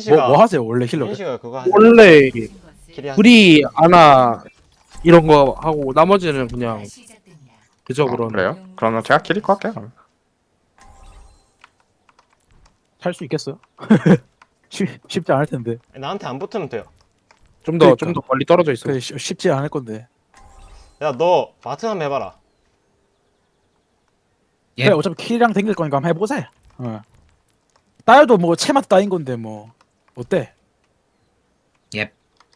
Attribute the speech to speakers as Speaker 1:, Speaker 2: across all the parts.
Speaker 1: 뭐 하세요 원래 힐러?
Speaker 2: 민씨가 그거 하세요.
Speaker 3: 원래
Speaker 2: 길이 하세요.
Speaker 3: 불이 아나 이런 거 하고 나머지는 그냥 그저 그런
Speaker 4: 그래요? 그러면 제가 키리코 할게요.
Speaker 1: 살 수 있겠어요? 쉽지 않을 텐데.
Speaker 2: 나한테 안 붙으면 돼요.
Speaker 3: 좀 더
Speaker 1: 그러니까.
Speaker 3: 멀리 떨어져 있어.
Speaker 1: 그래 쉽지 않을 건데.
Speaker 2: 야 너 마트 한번 해봐라.
Speaker 5: 예.
Speaker 1: 그래 어차피 킬이랑 댕길 거니까 한번 해보자. 어. 따여도 뭐 체맛 따인 건데 뭐 어때?
Speaker 5: 예.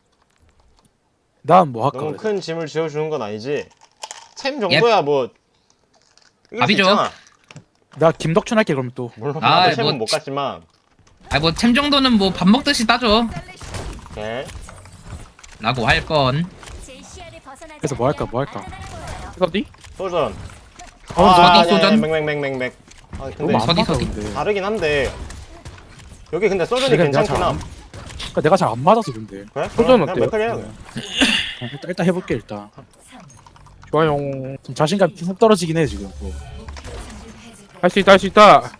Speaker 1: 난 뭐 할까?
Speaker 2: 너무
Speaker 1: 그래도.
Speaker 2: 큰 짐을 지어주는 건 아니지. 챔 정도야 뭐. 이길 수
Speaker 5: 밥이죠.
Speaker 2: 있잖아.
Speaker 1: 나 김덕춘 할게 그럼 또.
Speaker 2: 물론
Speaker 5: 아,
Speaker 2: 나도 챔은
Speaker 5: 뭐
Speaker 2: 못 갔지만.
Speaker 5: 뭐 템 정도는 뭐 밥 먹듯이 따져.
Speaker 2: 오케이.
Speaker 5: 라고 할 건.
Speaker 1: 그래서 뭐 할까?
Speaker 3: 어디?
Speaker 2: 소전.
Speaker 5: 어디 소전?
Speaker 2: 맥맥맥맥맥. 아
Speaker 1: 너무
Speaker 2: 근데
Speaker 1: 안
Speaker 5: 서디,
Speaker 1: 맞아
Speaker 5: 서디.
Speaker 1: 근데.
Speaker 2: 다르긴 한데. 여기 근데 소전이
Speaker 1: 그래,
Speaker 2: 괜찮긴
Speaker 1: 내가
Speaker 2: 함.
Speaker 1: 그러니까 내가 잘 안 맞아서 근데.
Speaker 2: 그래?
Speaker 3: 소전
Speaker 2: 그냥
Speaker 3: 어때요?
Speaker 2: 맥클 해야 돼.
Speaker 1: 일단 해볼게 일단.
Speaker 3: 좋아요.
Speaker 1: 좀 자신감 훅 떨어지긴 해 지금. 뭐.
Speaker 3: 할 수 있다 할 수 있다.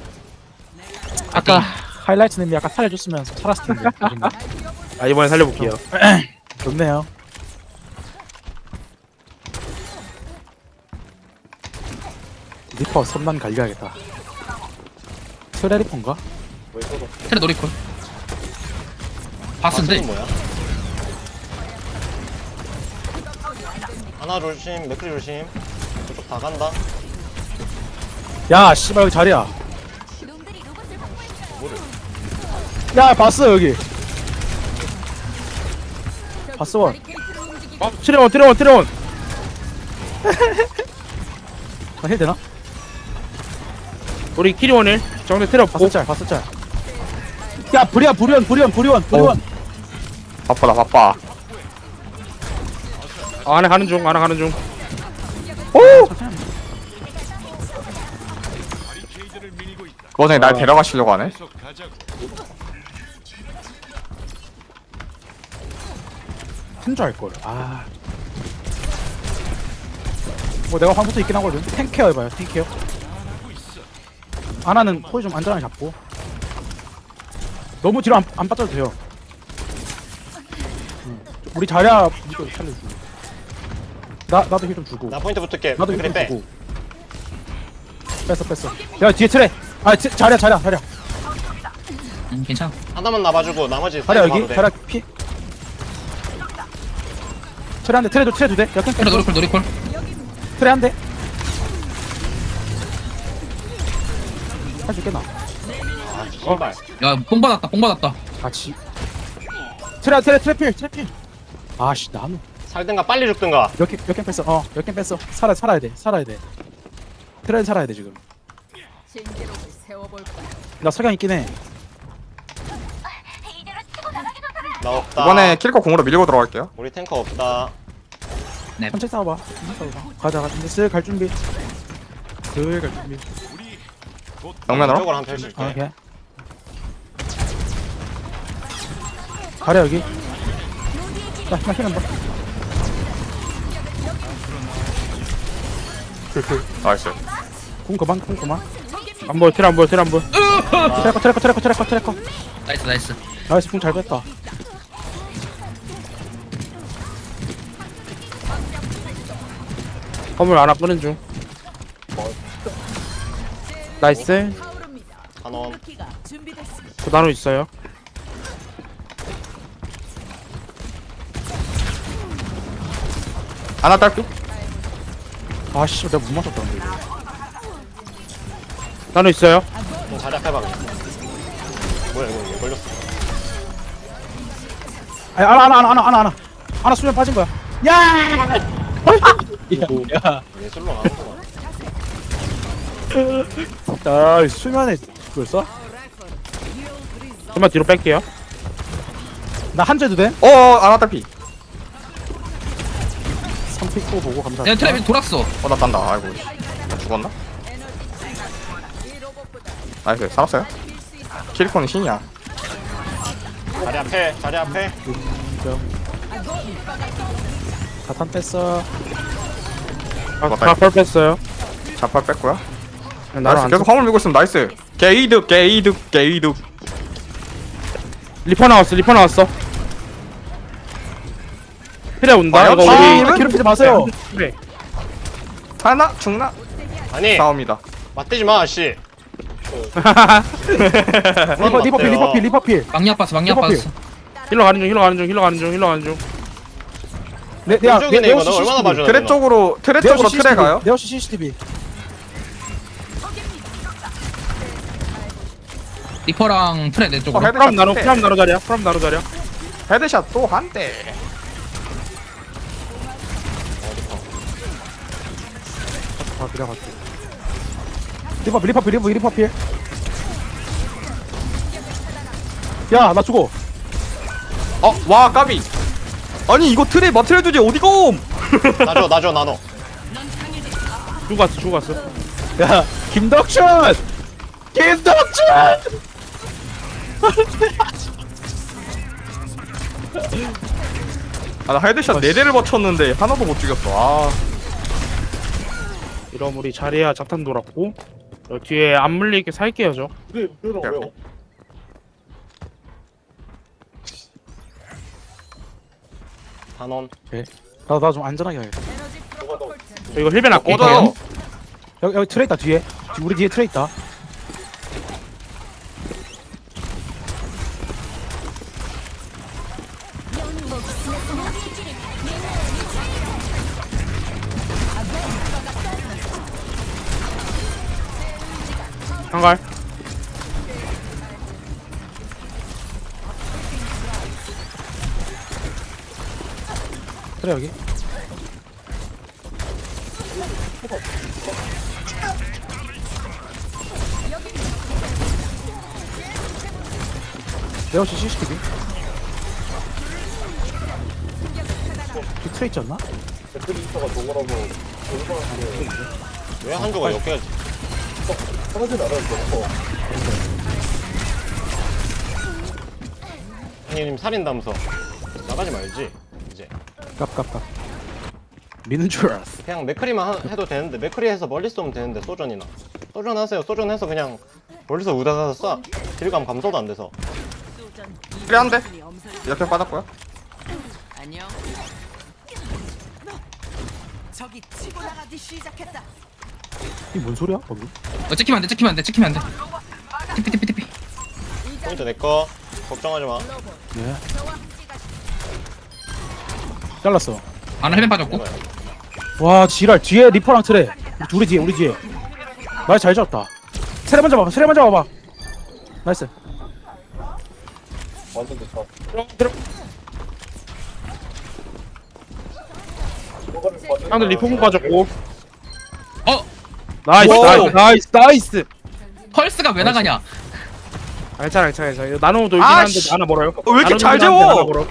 Speaker 1: 아까 하이라이트님이 약간 살려줬으면 살았을 텐데.
Speaker 3: 아 이번에 살려볼게요.
Speaker 1: 좋네요. 리퍼 선만 갈려야겠다. 트레리퍼인가?
Speaker 5: 테레 노리콜. 바스인데.
Speaker 2: 뭐야? 하나 조심, 맥클 조심. 저쪽 다 간다.
Speaker 1: 야 씨발 여기 자리야. 야 봤어 여기. 봤어 원.
Speaker 3: 트레원.
Speaker 1: 나 힐 되나?
Speaker 3: 우리 키리원을 정대 트레 없고.
Speaker 1: 봤어 짤. 야 불이원.
Speaker 4: 바빠다 바빠.
Speaker 3: 안에 가는 중.
Speaker 4: 그 와중에 날 데려가시려고 하네.
Speaker 1: 한줄 알걸. 아. 뭐 내가 황부터 있긴 하거든. 탱케어 해봐요. 탱케어. 아나는 포지 좀 안전하게 잡고. 너무 뒤로 안 빠져도 돼요. 우리 자리야 이거 살려주고. 나도 힐 좀 주고.
Speaker 2: 나 포인트 붙을게.
Speaker 1: 나도 힐
Speaker 2: 맥클이
Speaker 1: 좀
Speaker 2: 빼.
Speaker 1: 주고. 뺐어. 야 뒤에 트레. 아 자리야.
Speaker 5: 괜찮아.
Speaker 2: 하나만 나봐주고 나머지
Speaker 1: 자리야
Speaker 2: 사이드
Speaker 1: 여기.
Speaker 2: 봐도 돼.
Speaker 1: 자리야 피. 트레 한 대. 트레 두 대. 역행
Speaker 5: 테레 노리콜.
Speaker 1: 트레 한 대. 할 수 있겠나?
Speaker 2: 아, 씨발.
Speaker 5: 야, 뽕 받았다.
Speaker 1: 같이. 트래필. 아씨 나는
Speaker 2: 살든가 빨리 죽든가.
Speaker 1: 몇개 뺐어. 몇개 뺐어. 살아야 돼. 트레는 살아야 돼 지금. 나 석양 있긴 해.
Speaker 2: 나 없다.
Speaker 4: 이번에 키리코 공으로 밀고 들어갈게요.
Speaker 2: 우리 탱커 없다.
Speaker 1: 천천히 싸워봐. 가자. 이제 슬 갈 준비.
Speaker 4: 정면으로.
Speaker 2: 이쪽으로 한번 펼칠게.
Speaker 1: 오케이. 가려 여기. 나 힐한 번.
Speaker 4: 나이스.
Speaker 1: 궁 그만.
Speaker 3: 안 보여. 트레 안 보여.
Speaker 1: 트래커.
Speaker 5: 나이스.
Speaker 1: 나이스 궁 잘 뺐다.
Speaker 3: 건물 하나 끄는 중. 나이스.
Speaker 2: 단원.
Speaker 3: 그 나노 있어요.
Speaker 4: 하나 딸피.
Speaker 1: 아씨 내가 못 맞췄다 근데.
Speaker 3: 나노 있어요.
Speaker 2: 좀 자리 앞에 봐. 뭐야 이거 왜 걸렸어?
Speaker 1: 아니 하나 수면 빠진 거야. 야.
Speaker 2: 예술로 나오는구나.
Speaker 1: 야 수면에 그걸 써?
Speaker 3: 좀만 뒤로 뺄게요.
Speaker 1: 나 한재도 돼?
Speaker 4: 하나 딸피.
Speaker 1: 3픽 보고 감사.
Speaker 5: 내가 테레 돌았어.
Speaker 4: 나 딴다. 아이고. 나 죽었나? 나이스. 살았어요. 키리코는 신이야.
Speaker 2: 자리 앞에.
Speaker 1: 다탄 뺐어.
Speaker 3: 다 펄뺐어요.
Speaker 4: 자팔 뺐고요.
Speaker 3: 나노
Speaker 4: 나이스.
Speaker 3: 안
Speaker 4: 계속 화물 밀고 있으면 나이스. 게이득.
Speaker 3: 리퍼 나왔어. 트레 온다.
Speaker 4: 아,
Speaker 3: 이거
Speaker 4: 역시.
Speaker 3: 우리
Speaker 1: 괴롭히지 마세요.
Speaker 3: 트레.
Speaker 4: 하나 죽나?
Speaker 2: 아니
Speaker 4: 싸웁니다.
Speaker 2: 맞대지 마 씨.
Speaker 1: 리퍼필.
Speaker 5: 막냐 빠스 막냐
Speaker 1: 리퍼필.
Speaker 5: 빠스.
Speaker 3: 힐러 가는 중.
Speaker 2: 왼쪽이네 이거 너 얼마나 봐주나.
Speaker 4: 트레 쪽으로 트레 가요.
Speaker 1: 네오시 CCTV.
Speaker 5: 리퍼랑 트레 내 쪽으로.
Speaker 4: 헤드샷
Speaker 3: 프람 나로 자리야.
Speaker 4: 헤드샷 또 한 대.
Speaker 1: 아 그래 갈게. 리퍼필. 야 나 죽어.
Speaker 4: 와 까비. 아니 이거 트레 마트레 주지 어디고?
Speaker 2: 나줘 나눠.
Speaker 3: 죽었어.
Speaker 1: 야 김덕춘.
Speaker 4: 나 헤드샷 4대를 버쳤는데 하나도 못 죽였어. 아.
Speaker 3: 이러면 우리 자리야 자탄 돌았고 뒤에 안 물리게 살게요 저.
Speaker 2: 단원.
Speaker 1: 나 좀 안전하게 해야겠다.
Speaker 3: 저 이거 힐벤 할게.
Speaker 4: 꺼져요.
Speaker 1: 여기 트레 있다 뒤에. 우리 뒤에 트레 있다.
Speaker 3: 한갈.
Speaker 1: 트레 여기. 네오시 CCTV. 트레 있지 않나?
Speaker 2: 왜 한조가 이렇게 하지? 형님 살인다면서 나가지 말지 이제.
Speaker 1: 깝. 미는 줄 알았어.
Speaker 2: 그냥 맥크리만 해도 되는데 맥크리 해서 멀리 쏘면 되는데 소전이나 소전 하세요. 소전 해서 그냥 멀리서 우다다서 쏴. 딜감 감소도 안 돼서.
Speaker 4: 트레 한 대. 이렇게 빠졌고요.
Speaker 6: 안녕. 저기 치고 나가기 시작했다.
Speaker 1: 이게 뭔 소리야 방금?
Speaker 5: 찍히면 안 돼. TP.
Speaker 2: 포인트 내꺼. 걱정하지 마.
Speaker 1: 네. 잘랐어.
Speaker 5: 아나 헬멧 빠졌고.
Speaker 1: 와 지랄 뒤에 리퍼랑 트레. 우리 뒤에. 말 잘 잡았다. 트레 먼저 봐봐. 나이스.
Speaker 3: 형들 리포공 빠졌고.
Speaker 5: 어
Speaker 3: 나이스.
Speaker 5: 펄스가 왜 나가냐?
Speaker 3: 괜찮아. 이거 나노 돌긴
Speaker 4: 아,
Speaker 3: 하는데
Speaker 4: 씨.
Speaker 3: 하나 멀어요.
Speaker 4: 왜 이렇게
Speaker 3: 나노
Speaker 4: 잘
Speaker 3: 돌긴 하는데
Speaker 4: 재워?
Speaker 3: 하나 멀어.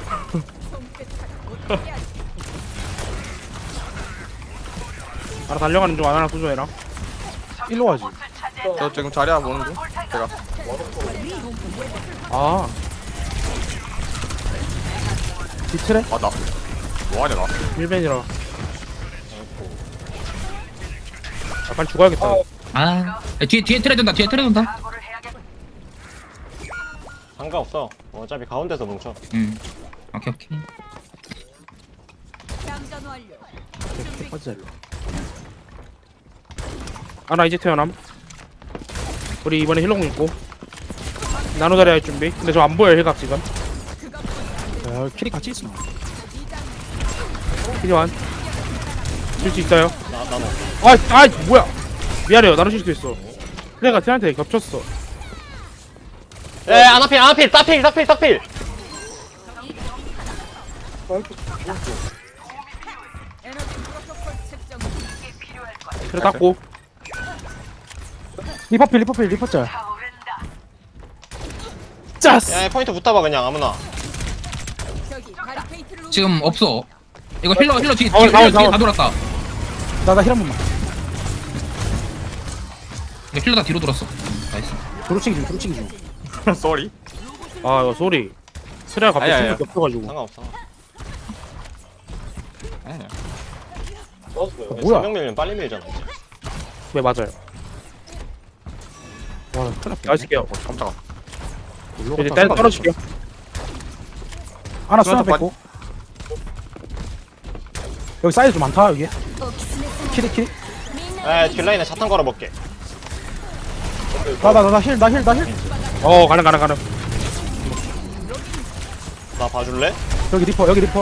Speaker 3: 하나 달려가는 중 하나 소조해라.
Speaker 1: 일로 와지.
Speaker 4: 저 지금 자리야 보는 중. 제가
Speaker 3: 아
Speaker 1: 뒤 트레.
Speaker 4: 나 뭐하냐 나.
Speaker 3: 1벤이라. 아 빨리 죽어야겠다.
Speaker 5: 아 뒤에 트레 돈다.
Speaker 2: 상관없어. 어차피 가운데서 뭉쳐.
Speaker 5: 오케이.
Speaker 6: 장전 완료.
Speaker 1: 빠지자 일로.
Speaker 3: 아나 이제 태어남. 우리 이번에 힐러공 있고 나노 자리 할 준비. 근데 저 안 보여 힐각 지금.
Speaker 1: 야 키리 같이 있어.
Speaker 3: 필요한. 줄 수 있어요.
Speaker 2: 나눠.
Speaker 3: 아 뭐야? 미안해요. 나노 실수 있어. 그래가 쟤한테 겹쳤어.
Speaker 2: 아나필 따필.
Speaker 6: 에너지 프로토콜 측정.
Speaker 3: 그래 닦고.
Speaker 1: 리퍼짤. 짜스.
Speaker 2: 야 포인트 붙어봐 그냥 아무나.
Speaker 6: 저기 바리케이트를
Speaker 5: 지금 없어. 이거 힐러 뒤에
Speaker 3: 나와.
Speaker 5: 다 돌았다.
Speaker 1: 나 힐 한 번만.
Speaker 5: 이거 힐러 다 뒤로 돌았어. 나이스.
Speaker 1: 도루치기 중.
Speaker 4: 쏘리.
Speaker 3: 아 이거 소리. 트레가 갑자기
Speaker 4: 아니야.
Speaker 3: 충격 겹쳐가지고.
Speaker 2: 상관없어.
Speaker 4: 아니야.
Speaker 1: 뭐야?
Speaker 2: 3명 밀면 빨리 밀잖아 이제.
Speaker 3: 네 맞아요.
Speaker 1: 와 큰일 났다.
Speaker 3: 나이스게요.
Speaker 4: 깜짝아.
Speaker 3: 이제 딸 떨어질게요.
Speaker 1: 하나 수나
Speaker 4: 수납
Speaker 1: 뺐고. 여기 사이즈 좀 많다 여기. 키리 키리.
Speaker 2: 에 뒷라인에 자탄 걸어볼게.
Speaker 1: 나 힐.
Speaker 3: 가능.
Speaker 2: 나 봐줄래?
Speaker 1: 여기 리퍼.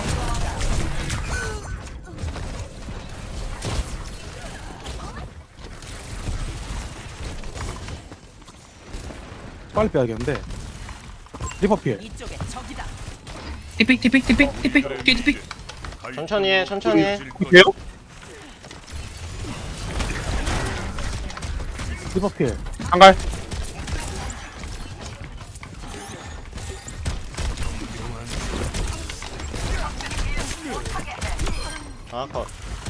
Speaker 1: 빨리 빼야겠는데. 리퍼 필.
Speaker 6: 이쪽에 적이다.
Speaker 5: 티픽 뒤에 티픽.
Speaker 2: 천천히 해.
Speaker 3: 돼요?
Speaker 1: 리퍼 필.
Speaker 3: 한갈.
Speaker 2: 아 컷.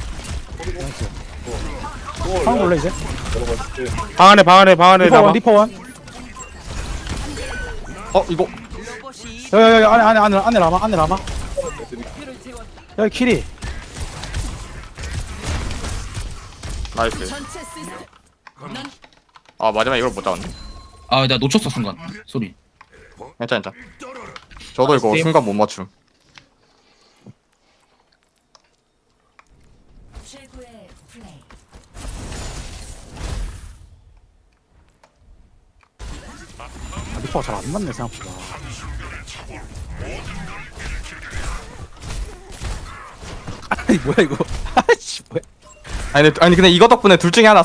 Speaker 1: 방금 올래 이제.
Speaker 3: 방 안에 남아.
Speaker 1: 리퍼 원.
Speaker 4: 이거
Speaker 6: 로봇이
Speaker 1: 여기 안에 남아.
Speaker 6: 를 재웠다.
Speaker 1: 여기 키리.
Speaker 4: 나이스.
Speaker 6: 전체 시스템. 넌
Speaker 4: 아 마지막에 이걸 못 잡았네.
Speaker 5: 아, 나 놓쳤어 순간. 소리.
Speaker 4: 괜찮아. 저도 이거
Speaker 3: 스팀.
Speaker 4: 순간 못 맞춤.
Speaker 6: 최고의 플레이.
Speaker 1: 리퍼가 잘 안 맞네 생각보다. 아니 뭐야 이거. 아씨 뭐야.
Speaker 4: 아니 근데 이거 덕분에 둘 중에 하나